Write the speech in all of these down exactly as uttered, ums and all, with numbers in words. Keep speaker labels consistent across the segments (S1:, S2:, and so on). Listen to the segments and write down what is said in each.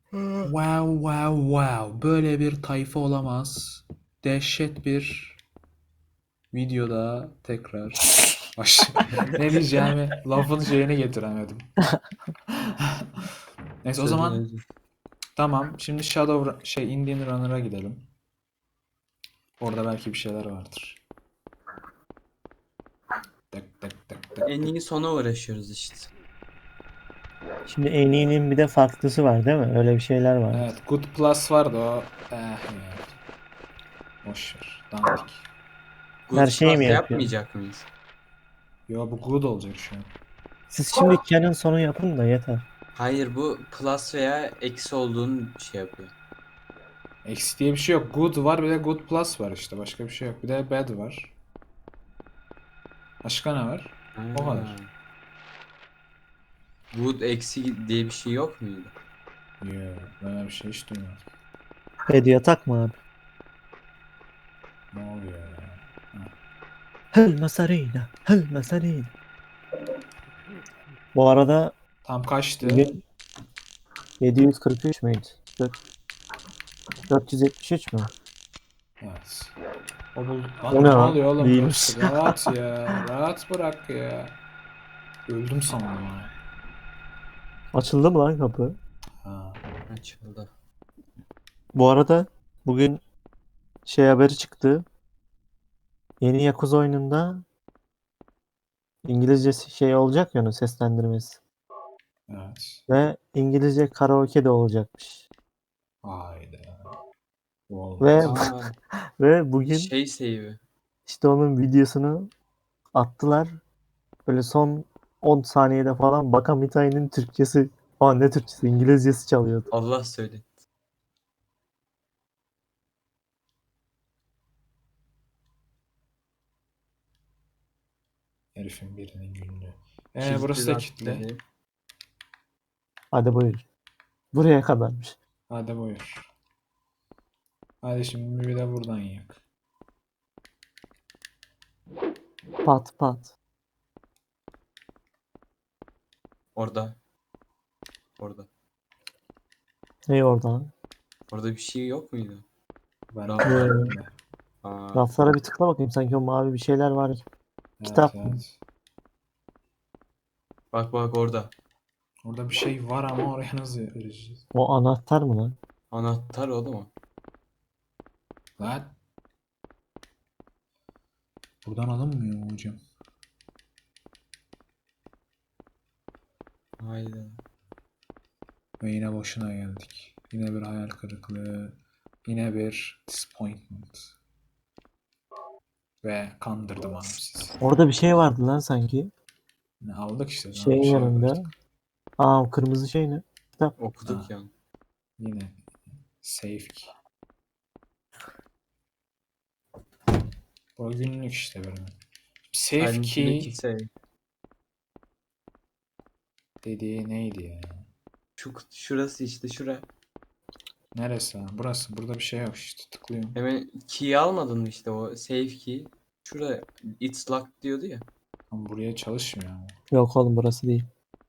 S1: Wow wow wow. Böyle bir tayfa olamaz. Dehşet bir videoda tekrar baş. Ne diyeceğimi lafın şeyini getiremedim. Neyse o
S2: Söyle
S1: zaman
S2: hadi.
S1: tamam. Şimdi Shadow şey Indian Runner'a gidelim. Orada belki bir şeyler vardır. Tık tık tık tık
S2: En
S1: tık.
S2: iyi sona uğraşıyoruz işte.
S3: Şimdi en iyinin bir de farklısı var değil mi? Öyle bir şeyler var.
S1: Evet, Good Plus vardı o. Eh ya. Boş ver. Dandik.
S3: Her
S2: Good
S3: şeyi mi
S2: Plus
S3: yapıyor?
S2: yapmayacak mıyız?
S1: Yo bu good olacak şu an.
S3: Siz şimdi Canon sonu yapın da yeter.
S2: Hayır, bu plus veya eksi olduğunu şey yapıyor.
S1: Eksi diye bir şey yok. Good var bir de Good Plus var işte. Başka bir şey yok. Bir de bad var. Başka ne var? O
S2: Ha.
S1: kadar.
S2: Good eksi diye bir şey yok muydu?
S1: Yo, ben öyle bir şey hiç duymadım.
S3: Hediye takma abi.
S1: Ne oluyor ya? Ha.
S3: Hıl masarıyla. Hıl masarıyla. Bu arada
S1: Tam kaçtı?
S3: bugün yedi yüz kırk üç müydü? Dört- dört yüz yetmiş üç mü?
S1: Evet. O bul...
S3: O
S1: Lan
S3: ne
S1: ne
S3: lan?
S1: oluyor oğlum?
S3: Değilmiş.
S1: Dur. Rahat ya. Rahat bırak ya. Öldüm sandım ha.
S3: Açıldı mı lan kapı?
S1: Ha.
S2: Açıldı.
S3: Bu arada bugün şey haberi çıktı. Yeni Yakuza oyununda İngilizce şey olacak ya onun seslendirmesi.
S1: Evet.
S3: Ve İngilizce karaoke de olacakmış.
S1: Hayda. Bu
S3: Ve
S1: olmaz.
S2: Aa,
S3: ve bugün
S2: şey save'i.
S3: işte onun videosunu attılar. Böyle son on saniyede falan Baka Mitai'nin Türkçesi, aa ne Türkçesi, İngilizcesi çalıyordu.
S2: Allah söyle.
S1: Herifin birinin günlüğü. Ee
S2: Kilitli
S1: burası da
S2: zaten
S1: kilitli.
S2: evi.
S3: Hadi buyur. Buraya kadarmış.
S1: Hadi buyur. Hadi şimdi bir de buradan yak.
S3: Pat pat.
S2: Orada. Orada.
S3: Ne oradan?
S2: Orada bir şey yok muydu?
S1: Ben de
S2: Raf.
S1: gördüm de.
S2: Aa,
S3: Raflara bir tıkla bakayım, sanki o mavi bir şeyler var gibi.
S1: Evet
S3: Kitap mı?
S1: evet.
S2: bak bak orada.
S1: Orada bir şey var ama oraya nasıl erişeceğiz?
S3: O anahtar mı lan?
S2: Anahtar oğlum o.
S1: Lan. Buradan alınmıyor mu hocam?
S2: Hayda.
S1: Ve yine boşuna geldik. Yine bir hayal kırıklığı. Yine bir disappointment. Ve kandırdım abi sizi.
S3: Orada bir şey vardı lan sanki.
S1: Ne aldık işte daha bir
S3: Şeyin
S1: şey yok
S3: yanında.
S1: artık.
S3: Aa, kırmızı şey ne? Kitap.
S1: Ha,
S2: Okuduk yani.
S1: yine safe key. Bu günlük işte böyle. Safe
S2: Halbuki
S1: key
S2: save.
S1: dediği neydi ya?
S2: Şu, şurası işte şura.
S1: Neresi lan? Burası. Burada bir şey yok işte. Tıklıyorum.
S2: Hemen key'i almadın mı işte o save key. Şurada it's locked diyordu ya.
S1: Ama buraya çalışmıyor ama.
S3: Yok oğlum, burası değil.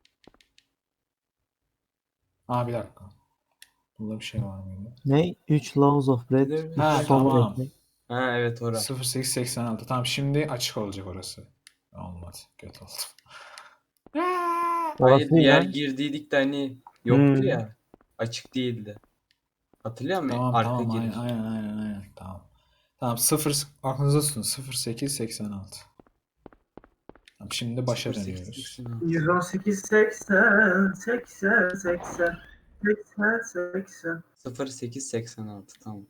S1: Aa bir dakika. Burada bir şey var mıydı?
S3: Ne? üç Laws of Red. üç
S1: Ha
S3: Solar
S1: tamam.
S3: ekmek.
S2: Ha evet ora.
S1: sıfır sekiz seksen altı. Tamam şimdi açık olacak orası. Olmadı. Kötü oldu.
S2: Hayır,
S3: Orası
S2: bir
S3: değil
S2: yer
S3: lan.
S2: girdiydik de hani yoktu
S3: Hmm.
S2: ya. Açık değildi. Hatırlıyor musun?
S1: Tamam
S2: Arka
S1: tamam aynen
S2: giriş.
S1: aynen aynen aynen. Tamam. Tamam sıfır aklınızda tutun. sıfır sekiz seksen altı. Tamam şimdi başa dönüyoruz.
S2: sıfır sekiz seksen altı.
S4: yüz on sekiz seksen seksen seksen seksen seksen.
S2: sıfır sekiz seksen altı tamam.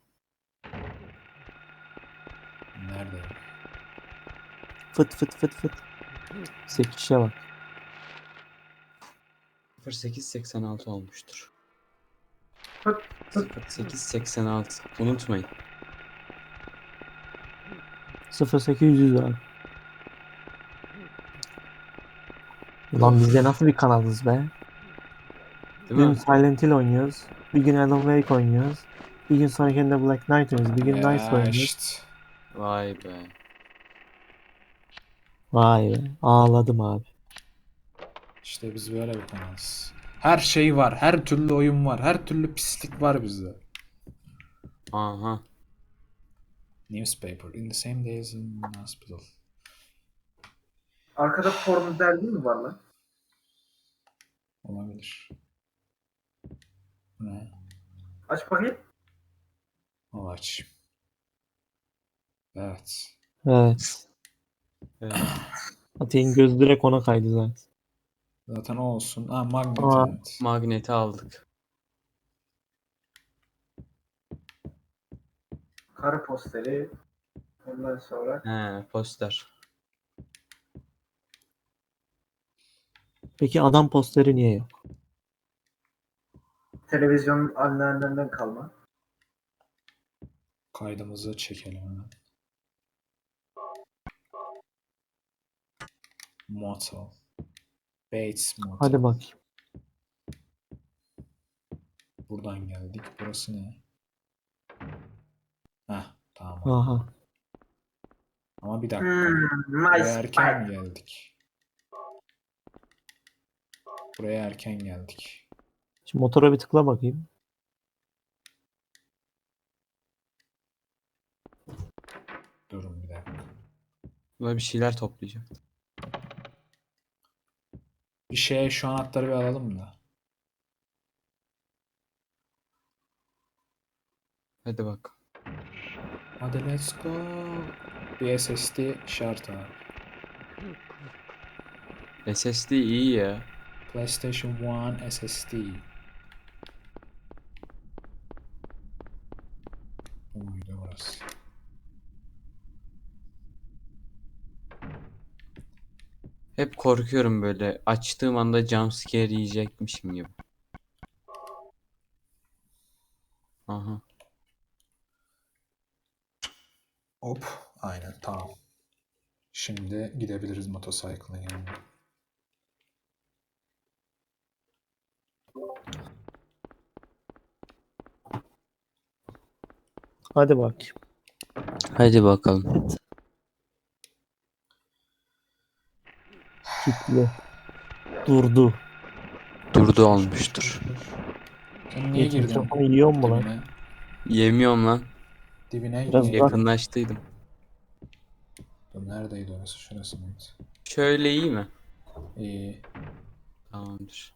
S1: Nerede?
S3: Fıt fıt fıt fıt. Sekişe bak.
S2: sıfır sekiz seksen altı olmuştur.
S4: Fıt fıt.
S2: sıfır sekiz seksen altı. Unutmayın.
S3: sıfır sekiz yüz abi. Ulan biz de nasıl bir kanalız be? Bir
S2: Değil
S3: gün
S2: mi?
S3: Silent Hill oynuyoruz. Bir gün Alan Wake oynuyoruz. Bir gün sonrakinde Black Knight oynuyoruz. Bir gün Nice
S1: Ya
S3: oynuyoruz.
S1: işte.
S2: Vay be.
S3: Vay be. Ağladım abi.
S1: İşte biz böyle bir kanalız. Her şey var. Her türlü oyun var. Her türlü pislik var bizde.
S2: Aha.
S1: Newspaper. In the same days in hospital.
S4: Arkada porno dergi mi var lan?
S1: Olabilir. Bu ne?
S4: Aç bakayım.
S1: Al aç. Evet.
S3: Evet.
S2: Evet.
S3: Ateğin gözü direkt ona kaydı zaten.
S1: Zaten o olsun. Ha, magnet,
S3: Aa.
S1: evet.
S2: Magneti aldık.
S4: Karı posteri. Ondan sonra
S2: He, poster.
S3: Peki adam posteri niye yok?
S4: televizyonun anneannenden kalma.
S1: Kaydımızı çekelim hemen. Motel. Bates Motel.
S3: Hadi bakayım.
S1: Buradan geldik. Burası ne? Heh, tamam.
S3: Aha.
S1: Ama bir dakika.
S4: Hmm,
S1: Buraya
S4: nice
S1: erken mi
S4: spy.
S1: geldik? Buraya erken geldik.
S3: Şimdi motora bir tıkla bakayım.
S1: Durun bir dakika.
S2: Buna bir şeyler toplayacağım.
S1: Bir şeye şu anahtarı bir alalım da.
S2: Hadi bak.
S1: Hadi let's go. Bir S S D şart abi.
S2: S S D iyi ya.
S1: PlayStation bir S S D. Bu muydu burası?
S2: Hep korkuyorum böyle. Açtığım anda jumpscare yiyecekmişim gibi. Aha.
S1: Hop. Aynen, tamam. Şimdi gidebiliriz motosikletin yanına.
S3: Hadi bakayım.
S2: Hadi bakalım.
S3: Kilitli. Durdu.
S2: Durdu olmuştur.
S1: Sen niye
S3: İlk
S1: girdin
S3: mikrofonu yiyor mu lan?
S1: dibine?
S2: Yemiyorum lan.
S1: Dibine
S3: Biraz
S1: niye
S3: uzak.
S1: girdin?
S2: Yakınlaştıydım.
S1: Dur, neredeydi orası? Şurası mıydı?
S2: Şöyle iyi mi?
S1: İyi.
S2: Tamamdır.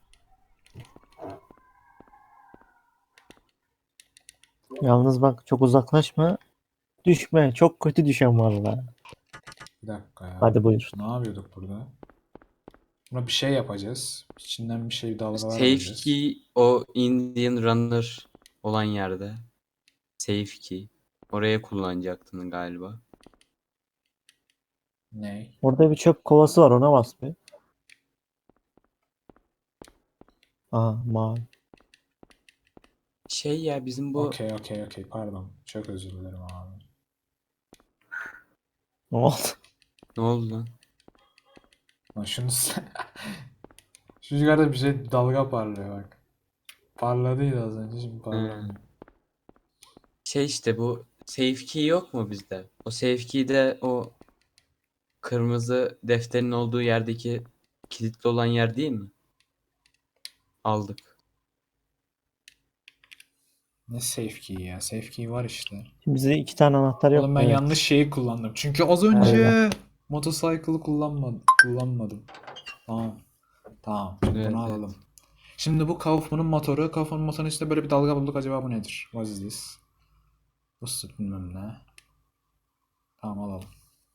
S3: Yalnız bak çok uzaklaşma. Düşme. Çok kötü düşen var lan.
S1: Bir dakika ya.
S3: Hadi buyur.
S1: Ne yapıyorduk burada? Buna bir şey yapacağız. İçinden bir şey dalgalar
S2: Safe
S1: alacağız.
S2: key o Indian Runner olan yerde. Safe key. Oraya kullanacaktın galiba.
S1: Ne?
S3: Orada bir çöp kovası var, ona bas bir. Aha, mavi.
S2: Şey ya bizim bu
S1: Okey okey okey, pardon. Çok özür dilerim abi.
S3: Ne oldu?
S2: ne oldu lan?
S1: Lan şunu sen... Şu yukarıda bir şey dalga parlıyor bak. Parladıydı az önce, şimdi parlamıyor.
S2: Şey işte bu safe key yok mu bizde? O safe key de o kırmızı defterin olduğu yerdeki kilitli olan yer değil mi? Aldık.
S1: Ne safe key ya? Safe key var işte.
S3: Şimdi bize iki tane anahtar yok.
S1: Oğlum ben
S3: Evet.
S1: yanlış şeyi kullandım. Çünkü az önce motosikle'ı kullanmadım. Kullanmadım. Tamam. Tamam. Şimdi
S2: Evet,
S1: bunu
S2: evet.
S1: alalım. Şimdi bu Kaufman'ın motoru. Kaufman'ın motorunun içinde böyle bir dalga bulduk. Acaba bu nedir? What is this? Busted bilmem ne. Tamam, alalım.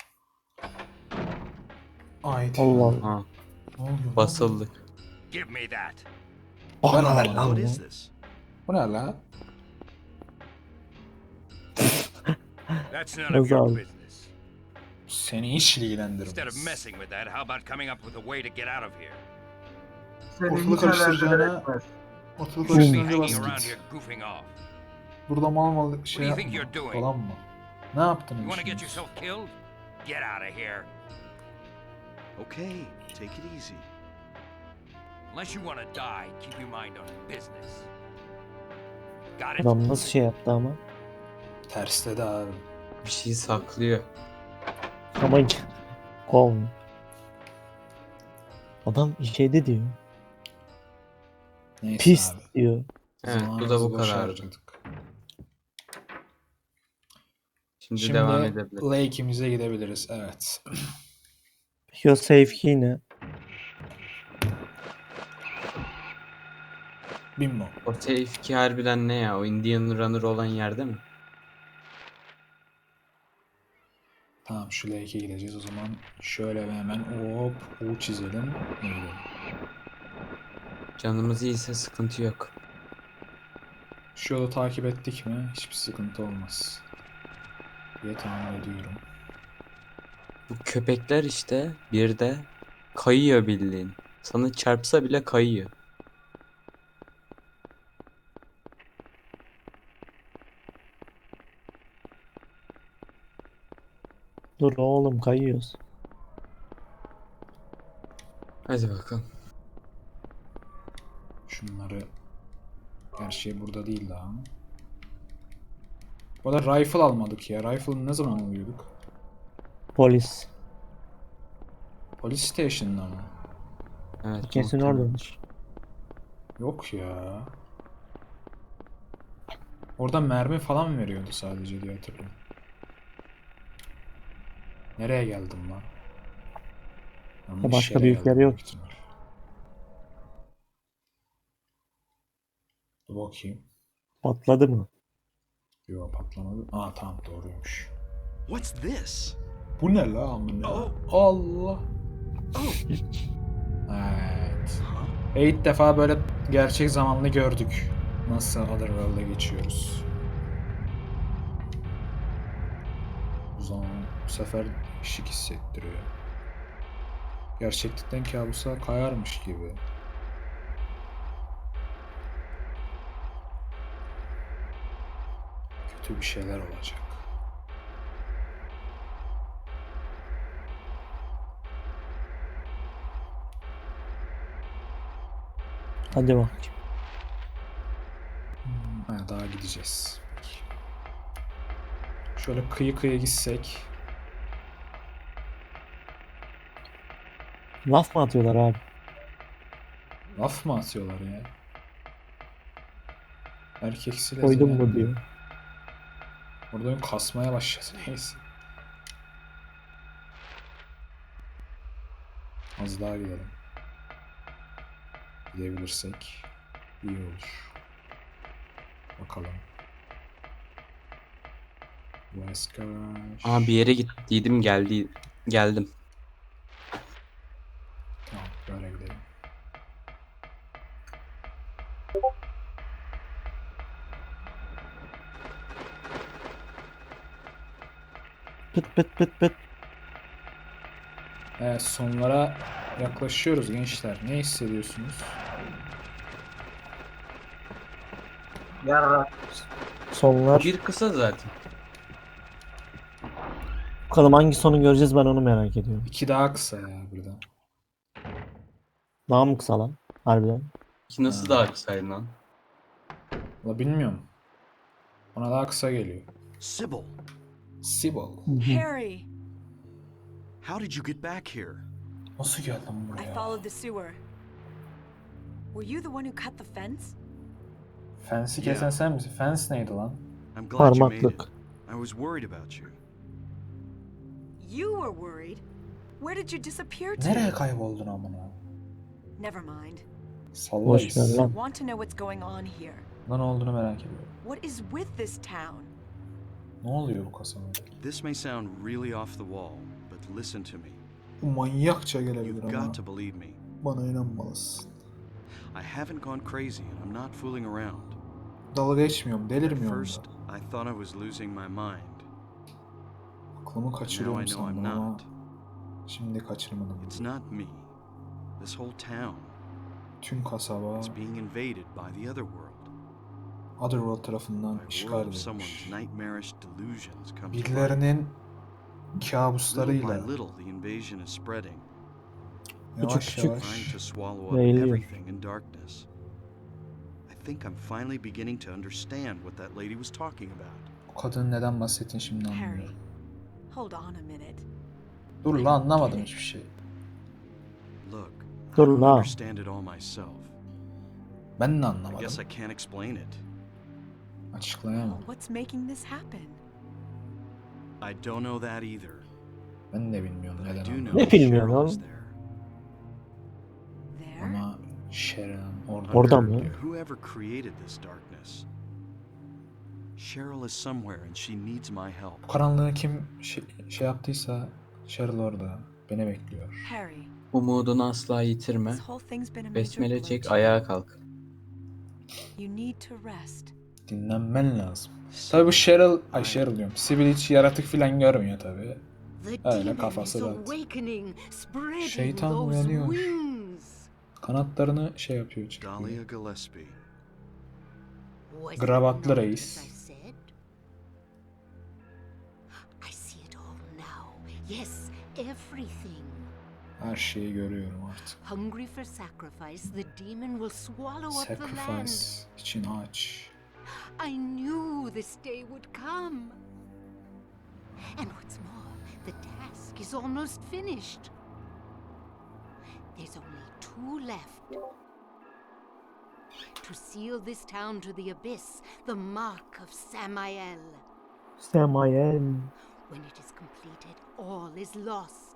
S1: Ait.
S3: Allah Allah.
S2: Ha,
S1: Ne oluyor lan?
S2: basıldık.
S5: Give me that.
S1: Ver
S3: Ana
S1: bana.
S3: lan
S5: What
S3: bu.
S5: is this?
S1: Bu ne la?
S5: That's none of
S3: Nasıl
S5: your
S3: abi?
S5: business.
S1: Seni hiç
S5: Instead of
S1: ilgilendirmez.
S5: messing with that, how about coming up with a way to get out of here?
S4: Seni
S1: Ortalığı
S4: hiç alakadar
S1: karıştıracağına-
S4: etmez.
S1: Ortalık
S5: You should be
S1: karıştırınca bas
S5: hanging around
S1: git.
S5: here goofing off.
S1: Burada mal mal şey
S5: do you think
S1: yapma.
S5: you're doing?
S1: Falan mı? Ne yaptın?
S5: You want to get
S1: şimdi?
S5: yourself killed? Get out of here.
S6: Okay, take it easy.
S5: Unless you want to die, keep your mind on business. Got it?
S3: Adam nasıl şey yaptı ama.
S1: Terste de abi.
S2: Bir şey saklıyor.
S3: Ama hiç kovmuyor. Adam şeyde diyor.
S1: Neyse
S3: Pis
S1: abi.
S3: diyor.
S2: Evet, bu da
S1: Zamanımızı
S2: bu
S1: boşa
S2: kadar.
S1: harcadık.
S2: Şimdi,
S1: Şimdi
S2: devam edebiliriz.
S1: Lake'imize gidebiliriz. Evet.
S3: Peki o safe key ne?
S1: Bimbo.
S2: O safe key harbiden ne ya? O Indian Runner olan yerde mi?
S1: Tamam şu Lake'e gideceğiz o zaman. Şöyle bir hemen hop U çizelim. Ne gidelim.
S2: Canımız iyiyse sıkıntı yok.
S1: Şu yolu takip ettik mi hiçbir sıkıntı olmaz diye tahmin ediyorum.
S2: Bu köpekler işte bir de kayıyor bildiğin. Sana çarpsa bile kayıyor.
S3: Dur oğlum kayıyoruz.
S2: Hadi bakalım.
S1: Şunları gerçi burada değil daha ama. Bu da rifle almadık ya. Rifle ne zaman alıyorduk?
S3: Polis.
S1: Police Station'da mı?
S2: Evet,
S3: Kesin
S2: muhtemelen.
S3: oradadır.
S1: Yok ya. Orada mermi falan veriyordu sadece diye hatırlıyorum. Nereye geldim lan? Yanlış
S3: Başka
S1: yere
S3: büyük yer
S1: geldim
S3: yok.
S1: büyük ihtimal. Dur bakayım.
S3: Patladı mı?
S1: Yok patlamadı. Aa tamam doğruymuş.
S6: What's this?
S1: Bu ne la amına?
S6: Oh.
S1: Allah.
S6: Oh.
S1: Evet.
S6: Huh?
S1: Ve ilk defa böyle gerçek zamanlı gördük. Nasıl Otherworld'a geçiyoruz. O zaman bu sefer şık hissettiriyor. Gerçeklikten kabusa kayarmış gibi. Kötü bir şeyler olacak.
S3: Hadi bak.
S1: Ha, daha gideceğiz. Şöyle kıyı kıyı gitsek.
S3: Laf mı atıyorlar abi?
S1: Laf mı atıyorlar ya? Erkeksiyle
S3: Koydun
S1: zina-
S3: mu diyor.
S1: Burada oyun kasmaya başladı neyse. Az daha gidelim. Gidebilirsek iyi olur. Bakalım. West Garage.
S2: Aa, bir yere gittiydim geldi geldim.
S1: Tamam böyle gidelim.
S3: Pıt pıt pıt pıt.
S1: Evet sonlara yaklaşıyoruz gençler. Ne hissediyorsunuz?
S4: Yarra.
S3: Sonlar.
S2: Bir kısa zaten.
S3: Bakalım hangi sonu göreceğiz ben onu merak ediyorum.
S1: İki daha kısa ya burada.
S3: Daha mı kısa lan? Harbiden.
S2: Ki nasıl
S1: Ha.
S2: daha kısaydı lan?
S1: Valla bilmiyorum. Bana daha kısa geliyor.
S6: Sybil,
S1: Sybil.
S7: Harry,
S6: how did you get back here?
S1: Nasıl geldin
S7: I
S1: buraya?
S7: followed the sewer. Were you the one who cut the fence?
S1: Fence'i kesen sen misin? Fence neydi lan?
S6: I'm glad you made it.
S3: Parmaklık.
S6: I was worried about you.
S7: You were worried. Where did you disappear to?
S1: Nereye kayboldun amına?
S7: Never mind.
S1: Sallayız.
S3: Boş ver
S7: I
S3: lan.
S7: want to know what's going on here.
S1: Lan ne olduğunu merak ediyorum.
S7: What is with this town?
S1: Ne oluyor bu kasabada?
S6: This may sound really off the wall, but listen to me.
S1: Bu manyakça gelebilir
S6: You've
S1: ama
S6: got to believe me.
S1: bana inanmalısın.
S6: I haven't gone crazy and I'm not fooling around.
S1: Dalga geçmiyorum,
S6: At
S1: delirmiyorum
S6: first,
S1: da.
S6: I thought I was losing my mind.
S1: Aklımı
S6: But now I
S1: kaçırıyorum
S6: know I'm
S1: sandım ama
S6: not.
S1: şimdi kaçırmadım.
S6: It's not me. This whole town
S1: Tüm kasaba
S6: is being invaded by the other world.
S1: Otherworld tarafından
S6: By
S1: işgal
S6: world of someone's
S1: edilmiş.
S6: nightmarish delusions come to life.
S1: Birilerinin
S6: Little by
S1: kabuslarıyla
S6: little, the invasion is spreading,
S1: yavaş
S3: küçük.
S6: trying
S1: yavaş
S6: to swallow up
S3: Yayılıyor.
S6: everything in darkness. I think I'm finally beginning to understand what that lady was talking about.
S1: o kadının neden bahsettiğini şimdi
S7: Harry,
S1: anlıyorum.
S7: hold on a minute.
S1: Dur lan anlamadım hiçbir şey.
S6: Look, I
S3: Dur
S6: don't
S3: la.
S6: understand it all myself.
S1: Ben de
S6: I
S1: anlamadım.
S6: guess I can't explain it.
S1: Açıklayamam.
S7: What's making this happen?
S6: I don't know that either.
S1: Ben de bilmiyorum
S6: But I
S1: neden
S6: do
S1: olduğunu.
S6: know
S3: Ne bilmiyorsun
S6: Cheryl is
S3: oğlum?
S6: there.
S7: There?
S1: Ama Sharon orada.
S3: Orada
S6: Under
S3: mı?
S6: Whoever created this darkness. Cheryl is somewhere and she needs my help.
S1: Bu karanlığı kim şey, şey yaptıysa Cheryl orada. Beni bekliyor.
S7: Harry,
S2: Umudunu asla yitirme.
S7: this whole thing's been a major
S2: Besmele
S7: blow
S2: çek,
S7: to you.
S2: ayağa kalk.
S7: You need to rest.
S1: Dinlenmen lazım. Tabi bu Cheryl, ay Cheryl diyorum. Sibyl hiç yaratık filan görmüyor tabi.
S8: The
S1: Öyle
S8: demon
S1: kafası
S8: is
S1: rahat.
S8: awakening, spreading
S1: Şeytan
S8: those
S1: uyanıyor.
S8: wings.
S1: Kanatlarını şey yapıyor
S6: Dahlia
S1: çıkıyor.
S6: Gillespie.
S8: Was it
S1: Gravatlı
S8: not
S1: reis.
S8: as I said? I see it all now. Yes, everything.
S1: Her şeyi görüyorum artık.
S8: Hungry for sacrifice, the demon will swallow up the land.
S1: Sacrifice için aç.
S8: I knew this day would come. And what's more, the task is almost finished. There's only two left. To seal this town to the abyss, the mark of Samael.
S3: Semael.
S8: When it is completed, all is lost.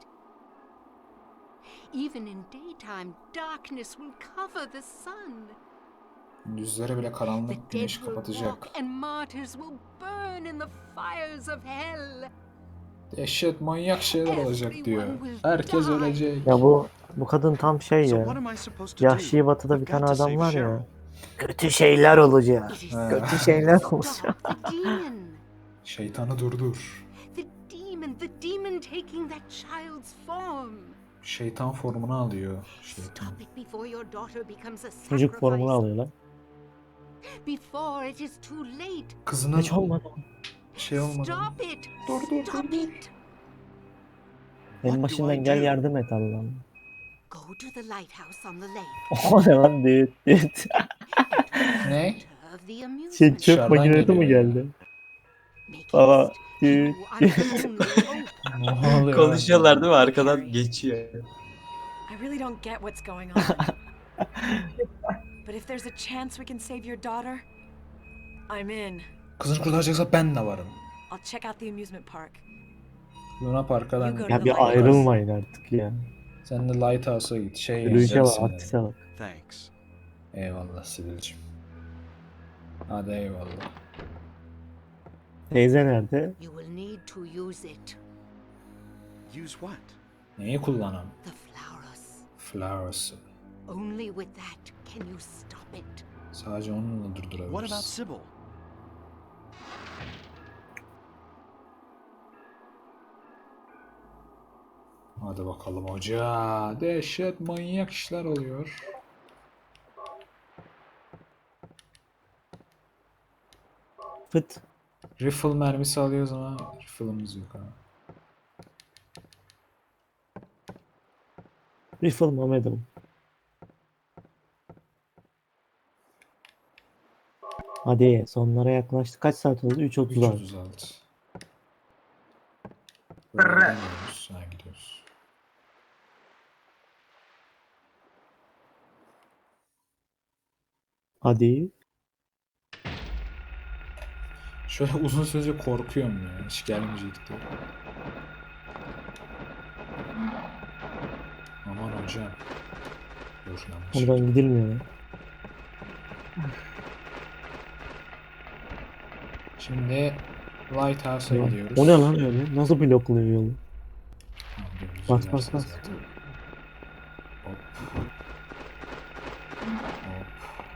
S8: Even in daytime, darkness will cover the sun.
S1: Gündüzleri bile
S8: The
S1: karanlık
S8: dead
S1: güneş
S8: will
S1: kapatacak.
S8: walk and martyrs will burn in the fires of hell.
S1: Dehşet manyak şeyler olacak diyor. Herkes ölecek.
S3: Ya bu bu kadın tam şey
S6: So
S3: ya.
S6: what am I supposed to do?
S3: Yahşi Batı'da bir
S6: I've
S3: tane
S6: got to
S3: adam
S6: save
S3: var
S6: Cheryl.
S3: ya. Kötü şeyler olacak.
S8: It is
S1: Ha.
S3: Kötü şeyler
S8: stop
S3: olacak.
S8: the demon.
S1: Şeytanı durdur.
S8: The demon, the demon taking that child's form.
S1: Şeytan formunu alıyor. Şeytan.
S8: Stop it before your daughter becomes a
S3: Çocuk formunu
S8: sacrifice.
S3: alıyorlar.
S8: Before it is too late.
S1: Kızının
S3: Hiç olmadı.
S1: şey olmadı.
S8: Stop it.
S1: Dur, dur,
S8: Stop it.
S3: Benim
S6: What do
S3: başından
S6: I
S3: gel
S6: do?
S3: yardım et Allah'ım.
S8: Go to the lighthouse on the lake.
S3: O ne lan düğüt düğüt.
S1: Ne?
S8: Of the amusement.
S3: Şey çöp
S1: Dışarıdan
S3: makinesi mi
S1: geliyor ya.
S3: geldi?
S8: Make
S3: Baba
S8: haste.
S3: düğüt
S8: You are the only hope.
S1: Ne oluyor?
S2: Konuşuyorlar değil mi? Arkadan geçiyor.
S7: I really don't get what's going on. But if there's a chance we can save your daughter, I'm in.
S1: Kızını kurtaracaksa ben de varım.
S7: I'll check out the amusement park.
S1: Luna Park'a ben
S7: You go
S3: Ya
S7: to
S3: bir
S7: the lighthouse.
S3: ayrılmayın artık ya.
S1: Sen de Lighthouse'a git. Şey
S3: Yürüyüşe bak,
S1: yapacaksın
S3: aktise
S1: dedi.
S3: bak.
S6: Thanks.
S1: Eyvallah Sibel'cim. Hadi eyvallah.
S3: Teyze nerede?
S8: You will need to use it.
S6: Use what?
S1: Neyi kullanam?
S8: The flowers.
S1: Flowers'ı.
S8: Only with that can you stop it.
S1: Sadece onunla
S6: What about
S1: durdurabiliriz.
S6: Sybil?
S1: Hadi bakalım hoca. Dehşet manyak işler oluyor.
S3: Fıt.
S1: Rifle mermisi alıyoruz ama rifle'ımız yok ha.
S3: Rifle Mehmet'im. Hadi sonlara yaklaştık. Kaç saat oldu? üç otuz
S1: üç
S3: altı.
S1: otuz altı. Böyle
S4: Bre.
S1: gidemiyoruz. Ha gidiyoruz.
S3: Hadi.
S1: Şöyle uzun sürece korkuyorum ya. Hiç gelmeyecekti. Aman hocam. Dur yanlış.
S3: Oradan gidilmiyor ya.
S1: Şimdi Lighthouse'a gidiyoruz.
S3: O ne lan öyle? Nasıl blokluyor yolu?
S1: Ha, dümdüz
S3: Bas,
S1: gidersen
S3: bas, bas.
S1: zaten. Hop. Hop.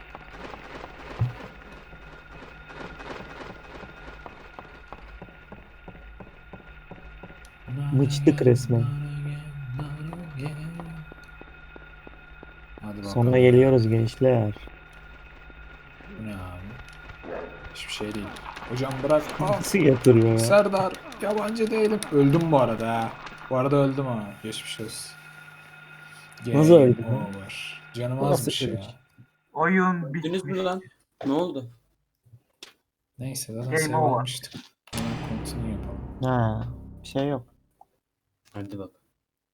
S3: Mıçtık resmen.
S1: Hadi bakalım.
S3: Sonra geliyoruz gençler.
S1: Bu ne abi? Hiçbir şey değil. Hocam bırak. Ah,
S3: Nasıl yatırıyor ya?
S1: Serdar yabancı değilim. Öldüm bu arada ha. Bu arada öldüm ha. Geçmiş olsun.
S3: Nasıl
S1: Game
S3: öldün?
S1: over. Canım
S3: Bu nasıl
S1: azmış ya.
S3: ölüm?
S4: Oyun
S2: Gittiniz
S4: bitmiş.
S2: mi lan? Ne oldu?
S1: Neyse zaten
S4: Game
S1: save
S4: over.
S1: almıştık. Hemen continue yapalım.
S3: Ha, bir şey yok.
S2: Hadi bak.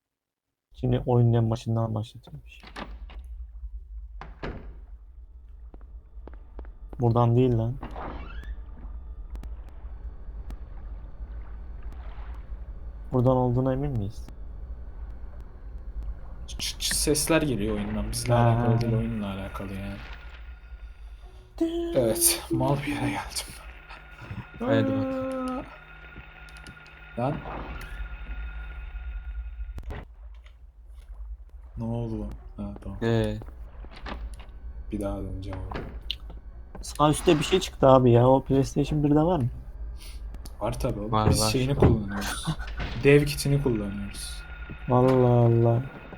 S3: Şimdi oyunun en başından başlatılmış. Buradan değil lan. Buradan olduğuna emin miyiz?
S1: Ç- ç- ç- sesler geliyor oyundan. Bizle
S3: Ha.
S1: alakalı değil, oyunla alakalı yani. Evet, mal bir yere geldim.
S2: Hadi bakalım.
S1: Lan. Ne oldu lan? Ha tamam.
S2: Ee,
S1: Bir daha döneceğim.
S3: Sağ üstte bir şey çıktı abi ya. O PlayStation birde var mı?
S1: Var tabi oğlum.
S2: Var,
S1: Biz
S2: var.
S1: şeyini kullanıyoruz. Dev kitini kullanıyoruz.
S3: Allah Allah.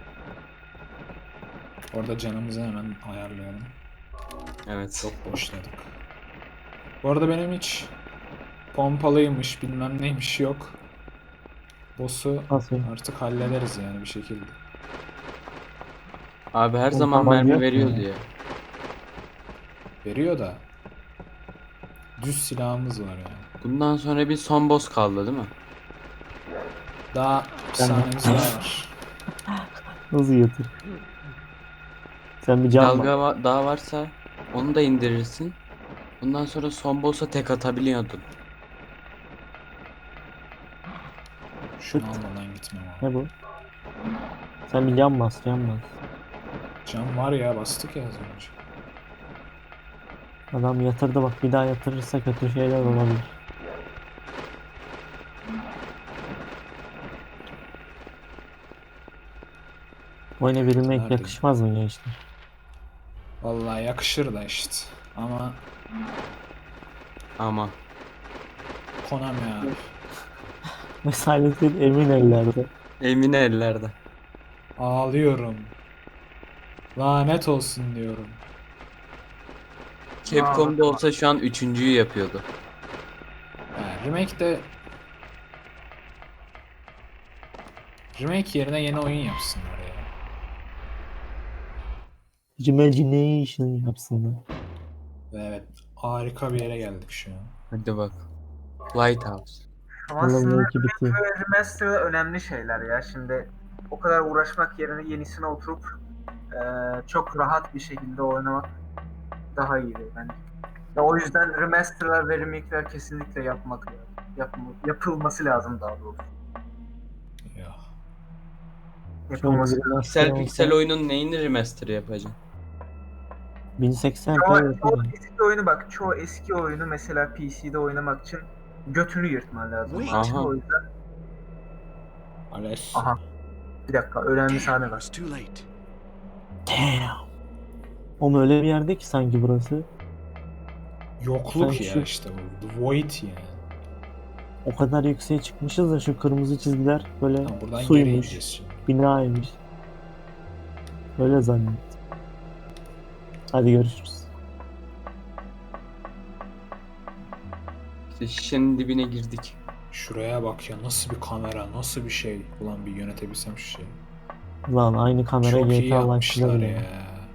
S1: Orada canımızı hemen ayarlayalım.
S2: evet.
S1: Çok boşladık. Bu arada benim hiç pompalıymış bilmem neymiş yok. Boss'u
S3: Nasıl?
S1: artık hallederiz yani bir şekilde.
S2: Abi her
S3: Oğlum,
S2: zaman
S3: tabanca
S2: mermi
S3: yok mu
S2: veriyordu
S3: ya?
S2: ya.
S1: Veriyor da düz silahımız var yani.
S2: Bundan sonra bir son boss kaldı değil mi?
S1: Daha bir
S3: Ben-
S1: saniyemiz daha var.
S3: Hızlı yatır. Sen bir can
S2: Dalga
S3: bak.
S2: va- daha varsa onu da indirirsin. Bundan sonra son boss'a tek atabiliyordun.
S1: Şunu almadan gitmem abi.
S3: Ne bu? Sen bir can bas, can bas.
S1: Can var ya, bastık ya az önce.
S3: Adam yatırdı bak, bir daha yatırırsa kötü şeyler olabilir. Oyuna bir remake
S1: Nerede?
S3: yakışmaz mı gençler?
S1: Vallahi yakışır da işte. Ama
S2: Ama
S1: Konami abi.
S3: Ve Silent Hill emin ellerde.
S2: emin ellerde.
S1: Ağlıyorum. Lanet olsun diyorum.
S2: Capcom'da olsa şu an üçüncüyü yapıyordu.
S1: Yani remake de remake yerine yeni oyun yapsınlar ya.
S3: Imagination yapsınlar.
S1: Ve evet, harika bir yere geldik şu an.
S2: Hadi bak. Lighthouse.
S4: Ama
S3: Yılın
S4: aslında
S3: belki bitiyor.
S4: remake ve remaster önemli şeyler ya. Şimdi o kadar uğraşmak yerine yenisine oturup eee, çok rahat bir şekilde oynamak daha iyi bence. Ya o yüzden remasterlar ve remake'ler kesinlikle yapmak yapma, yapılması lazım daha doğrusu.
S1: Ya.
S4: Yapılması
S3: Şöyle bir
S4: lazım.
S2: Piksel
S3: olsa
S2: piksel oyunun neyini remaster yapacaksın?
S3: bin seksen p
S4: Çoğu, çoğu
S3: yapıyor.
S4: eski oyunu bak, çoğu eski oyunu mesela P C'de oynamak için götünü yırtman lazım.
S6: Wait.
S2: Aha.
S4: O yüzden
S1: Ales.
S4: aha bir dakika önemli sahne
S6: Damn,
S4: var.
S6: it's too late.
S3: Damn. Oğlum öyle bir yerde ki sanki burası.
S1: Yokluk
S3: Sen
S1: ya
S3: şu-
S1: işte bu. The Void yani.
S3: O kadar yükseğe çıkmışız da şu kırmızı çizgiler böyle
S1: Tamam, buradan geri
S3: suymuş,
S1: ineceğiz şimdi.
S3: binaymış. Öyle zannettim. Hadi görüşürüz.
S2: İşte şişenin dibine girdik.
S1: Şuraya bak ya, nasıl bir kamera, nasıl bir şey. Ulan bir yönetebilsem şu şeyi.
S3: Lan aynı kamera
S1: Çok iyi
S3: G T A
S1: yapmışlar
S3: Life'da
S1: ya.
S3: bile.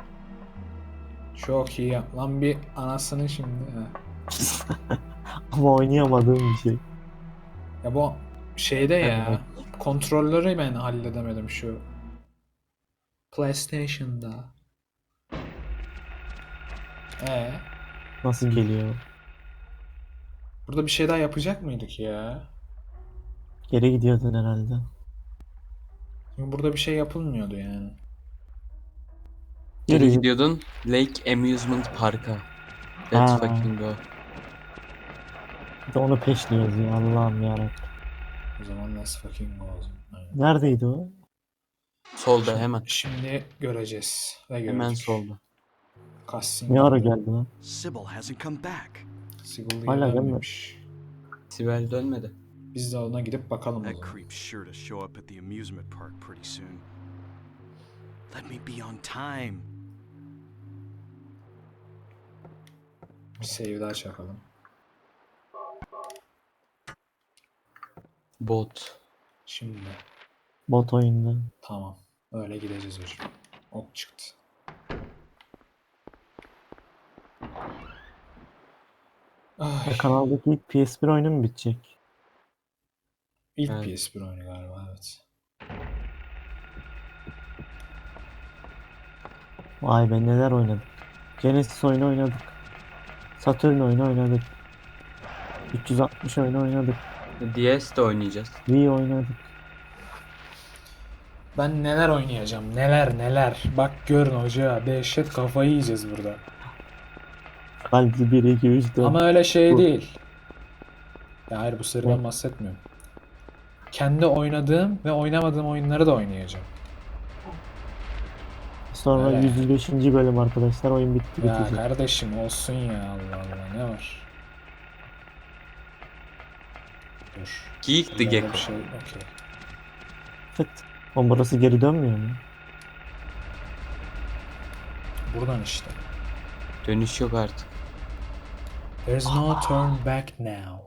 S1: Çok iyi yap. Lan bir anasını şimdi. Ha.
S3: Ama oynayamadığım bir şey.
S1: Ya bu şeyde ya.
S3: Evet.
S1: Kontrolleri ben halledemedim şu. PlayStation'da. Ee,
S3: Nasıl geliyor?
S1: burada bir şey daha yapacak mıydık ya?
S3: Geri gidiyordun herhalde.
S1: Çünkü burada bir şey yapılmıyordu yani.
S2: Geri
S3: Geri
S2: gidiyordun Lake Amusement Park'a.
S3: Ha.
S2: Let's fucking go.
S3: Bir de onu peşliyoruz ya Allah'ım yarabbim.
S1: O zaman let's fucking go o zaman. Aynen.
S3: Neredeydi o?
S2: Solda hemen.
S1: Şimdi göreceğiz. Ve gördük.
S2: Hemen solda.
S1: Cutscene
S3: Ne ara
S1: geldi.
S3: geldi lan?
S6: Sybil hasn't come back.
S1: Sigil
S3: Hala
S1: gelmemiş.
S2: Sibel dönmedi.
S1: Biz de ona gidip bakalım o
S6: That
S1: zaman.
S6: creep's sure to show up at the amusement park pretty soon. Let me be on time.
S1: Bir save daha çakalım.
S2: Bot.
S1: Şimdi.
S3: Bot oyunda.
S1: Tamam. Öyle gideceğiz hocam. Ok çıktı. Ay,
S3: Ya kanaldaki ilk P S bir oyunu mu bitecek?
S1: ilk
S2: Evet.
S1: P S bir oyunu galiba, evet.
S3: Vay be neler oynadık. Genesis oyunu oynadık. Saturn oyunu oynadık. üç yüz altmış oyunu oynadık.
S2: D S de oynayacağız.
S3: Wii oynadık.
S1: Ben neler oynayacağım, neler neler. Bak görün hoca, dehşet kafayı yiyeceğiz burada.
S3: Halbuki bir, iki, üç, dört.
S1: Ama öyle şey
S3: Bu.
S1: değil. Ya hayır, bu seriden
S3: Ne?
S1: bahsetmiyorum. Kendi oynadığım ve oynamadığım oyunları da oynayacağım.
S3: Sonra
S1: Öyle.
S3: yüz beşinci bölüm arkadaşlar. Oyun bitti
S1: Ya
S3: bitecek.
S1: kardeşim olsun ya, Allah Allah, ne var? Dur.
S2: Geek the
S1: ileride
S2: Gecko.
S1: bir şey, okey.
S3: Fıt. O burası geri dönmüyor mu?
S1: Buradan işte.
S2: Dönüş yok artık.
S1: There's no turn back now.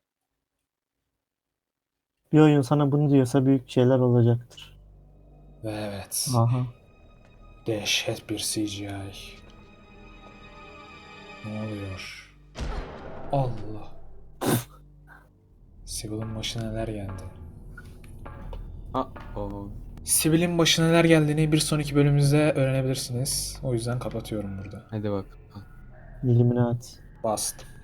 S3: Bir oyun sana bunu diyorsa büyük şeyler olacaktır.
S1: Ve evet.
S3: Aha.
S1: Dehşet bir C G I. Ne oluyor? Allah. Sibel'in başına neler geldi?
S2: Ha, o.
S1: Sibel'in başına neler geldiğini bir sonraki bölümümüzde öğrenebilirsiniz. O yüzden kapatıyorum burada.
S2: Hadi bak.
S3: Illuminati.
S1: Bastım.